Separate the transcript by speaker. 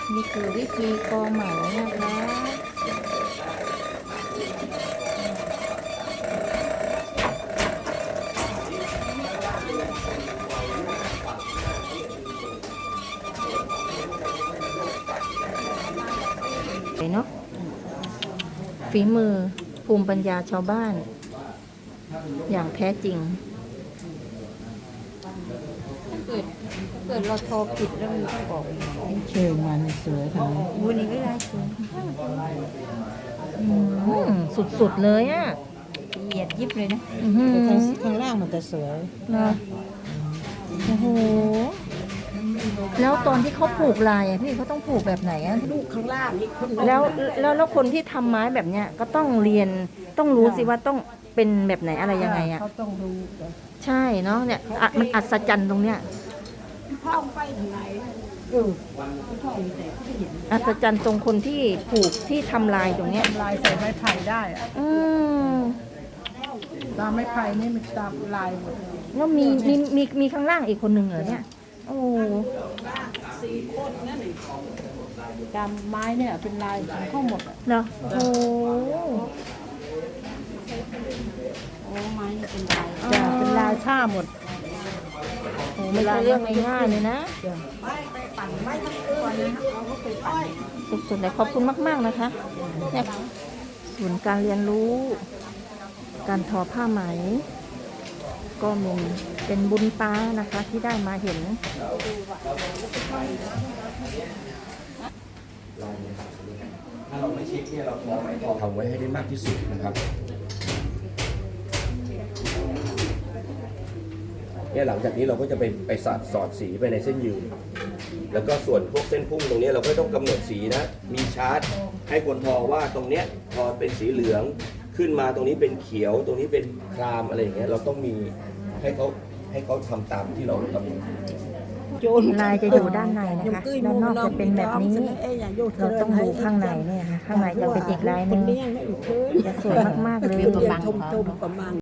Speaker 1: นี่คือวิธีกอไหมนะคะเนาะฝีมือภูมิปัญญาชาวบ้าน อย่างแท้จริงเกิดเราทอผิดแล้วมันต้องบอก
Speaker 2: เชิงมันสวยค่ะ
Speaker 1: วันนี้ก็ได้สวยสุดๆเลยอ่ะละเอียดยิบเลยนะ
Speaker 2: แต่ข้างล่างมันจะสวย
Speaker 1: เนาะโอ้โหแล้วตอนที่เขาผูกลายอ่ะพี่เขาต้องผูกแบบไหนอ่ะ
Speaker 2: ลูกข้างล่างนี่คน
Speaker 1: แล้วคนที่ทำไม้แบบเนี้ยก็ต้องเรียนต้องรู้สิว่าต้องเป็นแบบไหนอะไรยังไงอ่ะ
Speaker 2: เขาต้องรู้
Speaker 1: ใช่เนาะเนี่ยมันอัศจรรย์ตรงเนี้ย
Speaker 2: พ่อไปทางไหนพ่อมีแต่เขาเห็น
Speaker 1: อัศจรรย์ตรงคนที่ผูกที่ทำลายตรงเนี้ย
Speaker 2: ลายใส่ไม้ไผ่ได้อะ
Speaker 1: ม
Speaker 2: ตามไม้ไผ่นี่มันตามลายหมด
Speaker 1: แล้วมีข้างล่างอีกคนหนึ่งเหรอเนี่ยโอ้
Speaker 2: 4 คนนั่นเองตามไม้เนี่ยเป็นลายของเขาหมดอ่ะ
Speaker 1: เนาะโอ้
Speaker 2: โอ้ไม้นี่เป็นลายจะเป็นลายผ้าหมด
Speaker 1: โหไม่ใช่เรื่องง่ายๆเลยนะ
Speaker 2: ไปปั่นไม้ทั้งตัวนะเราก็ไปปั่น
Speaker 1: สุดๆเลยขอบคุณมากๆนะคะเนี่ยศูนย์การเรียนรู้ การทอผ้าไหม ก็มีเป็นบุญตานะคะที่ได้มาเห็น
Speaker 3: ถ้าเราไม่เช็คเนี่ยเราทำไว้ให้ได้มากที่สุดนะครับเนี่ยหลังจากนี้เราก็จะไปสอดสีไปในเส้นยืนแล้วก็ส่วนพวกเส้นพุ่งตรงนี้เราก็ต้องกำหนดสีนะมีชาร์ตให้คนทอว่าตรงเนี้ยทอเป็นสีเหลืองขึ้นมาตรงนี้เป็นเขียวตรงนี้เป็นครามอะไรอย่างเงี้ยเราต้องมีให้เขาทำตามที่เรากำหนด
Speaker 1: ลายจะอยู่ด้านในนะคะด้านนอกจะเป็นแบบนี้เราต้องดูข้างในเนี่ยค่ะข้างในจะเป็นอีกลายหนึงจะสวยมากๆเลย